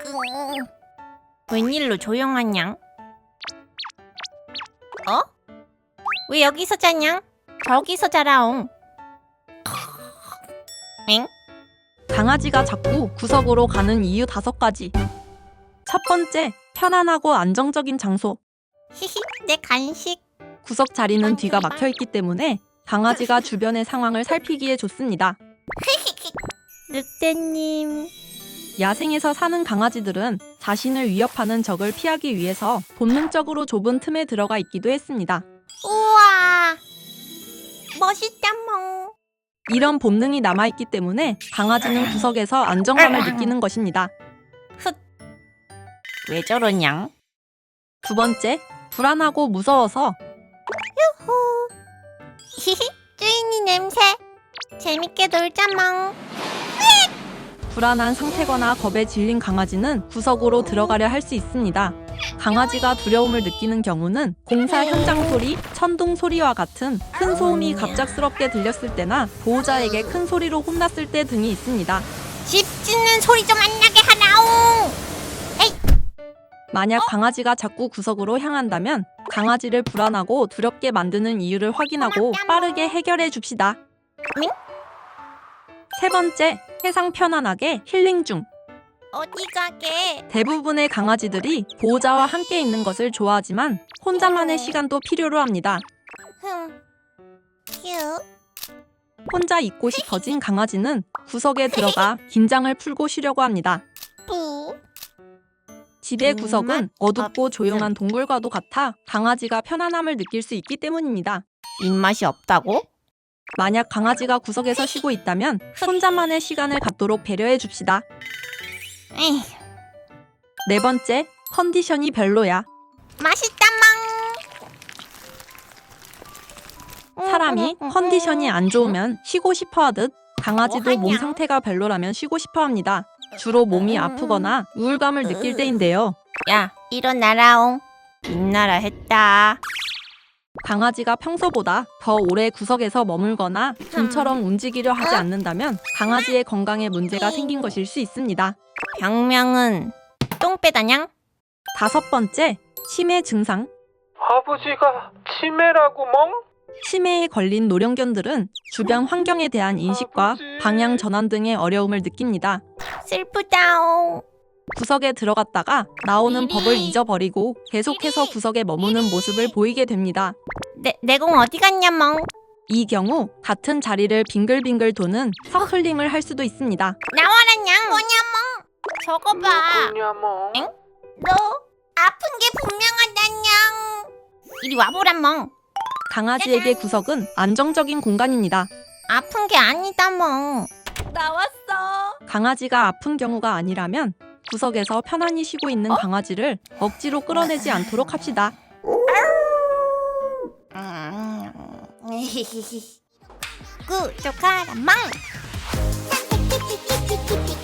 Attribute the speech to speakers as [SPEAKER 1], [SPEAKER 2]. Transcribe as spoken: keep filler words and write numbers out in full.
[SPEAKER 1] 웬일로 조용하냐? 어? 왜 여기서 자냐? 저기서 자라옹. 엥?
[SPEAKER 2] 강아지가 자꾸 구석으로 가는 이유 다섯 가지. 첫 번째, 편안하고 안정적인 장소.
[SPEAKER 1] 히히, 내 간식.
[SPEAKER 2] 구석 자리는 뒤가 막혀 있기 때문에 강아지가 주변의 상황을 살피기에 좋습니다.
[SPEAKER 1] 늑대님.
[SPEAKER 2] 야생에서 사는 강아지들은 자신을 위협하는 적을 피하기 위해서 본능적으로 좁은 틈에 들어가 있기도 했습니다.
[SPEAKER 1] 우와, 멋있다 멍.
[SPEAKER 2] 이런 본능이 남아있기 때문에 강아지는 구석에서 안정감을 느끼는 것입니다.
[SPEAKER 1] 훗. 왜 저러냐?
[SPEAKER 2] 두 번째, 불안하고 무서워서.
[SPEAKER 1] 후. 히히, 주인이 냄새. 재밌게 놀자 멍.
[SPEAKER 2] 불안한 상태거나 겁에 질린 강아지는 구석으로 들어가려 할 수 있습니다. 강아지가 두려움을 느끼는 경우는 공사 현장 소리, 천둥 소리와 같은 큰 소음이 갑작스럽게 들렸을 때나 보호자에게 큰 소리로 혼났을 때 등이 있습니다.
[SPEAKER 1] 집 짖는 소리 좀 안 나게 하라옹.
[SPEAKER 2] 만약 강아지가 자꾸 구석으로 향한다면 강아지를 불안하고 두렵게 만드는 이유를 확인하고 빠르게 해결해 줍시다.
[SPEAKER 1] 응?
[SPEAKER 2] 세 번째, 세상 편안하게 힐링 중.
[SPEAKER 1] 어디 가게?
[SPEAKER 2] 대부분의 강아지들이 보호자와 함께 있는 것을 좋아하지만 혼자만의 시간도 필요로 합니다.
[SPEAKER 1] 흠. 휴.
[SPEAKER 2] 혼자 있고 싶어진 강아지는 구석에 들어가 긴장을 풀고 쉬려고 합니다.
[SPEAKER 1] 뿌.
[SPEAKER 2] 집의 구석은 어둡고 조용한 동굴과도 같아 강아지가 편안함을 느낄 수 있기 때문입니다.
[SPEAKER 1] 입맛이 없다고?
[SPEAKER 2] 만약 강아지가 구석에서 쉬고 있다면 혼자만의 시간을 갖도록 배려해 줍시다.
[SPEAKER 1] 에이,
[SPEAKER 2] 네 번째, 컨디션이 별로야.
[SPEAKER 1] 맛있다 멍.
[SPEAKER 2] 사람이 컨디션이 안 좋으면 쉬고 싶어 하듯 강아지도 몸
[SPEAKER 1] 뭐하냐?
[SPEAKER 2] 상태가 별로라면 쉬고 싶어 합니다. 주로 몸이 아프거나 우울감을 느낄 때인데요.
[SPEAKER 1] 야, 일어나라옹. 빛나라 했다.
[SPEAKER 2] 강아지가 평소보다 더 오래 구석에서 머물거나 좀처럼 움직이려 하지 않는다면 강아지의 건강에 문제가 생긴 것일 수 있습니다.
[SPEAKER 1] 병명은 똥배다냥?
[SPEAKER 2] 다섯 번째, 치매 증상.
[SPEAKER 3] 아버지가 치매라고 멍?
[SPEAKER 2] 치매에 걸린 노령견들은 주변 환경에 대한 인식과 방향 전환 등의 어려움을 느낍니다.
[SPEAKER 1] 슬프다옹.
[SPEAKER 2] 구석에 들어갔다가 나오는 법을 잊어버리고 계속해서 구석에 머무는 모습을 보이게 됩니다.
[SPEAKER 1] 내, 내공 어디 갔냐 멍?
[SPEAKER 2] 이 경우 같은 자리를 빙글빙글 도는 서클링을 할 수도 있습니다.
[SPEAKER 1] 나와라냥. 뭐냐 멍? 저거 봐.
[SPEAKER 3] 누구냐 멍?
[SPEAKER 1] 엥? 너 아픈 게 분명하다냥. 이리 와보라 멍.
[SPEAKER 2] 강아지에게 구석은 안정적인 공간입니다.
[SPEAKER 1] 아픈 게 아니다 멍. 나왔어.
[SPEAKER 2] 강아지가 아픈 경우가 아니라면 구석에서 편안히 쉬고 있는 강아지를 억지로 끌어내지 않도록 합시다.
[SPEAKER 1] 음. 구독하라 멍.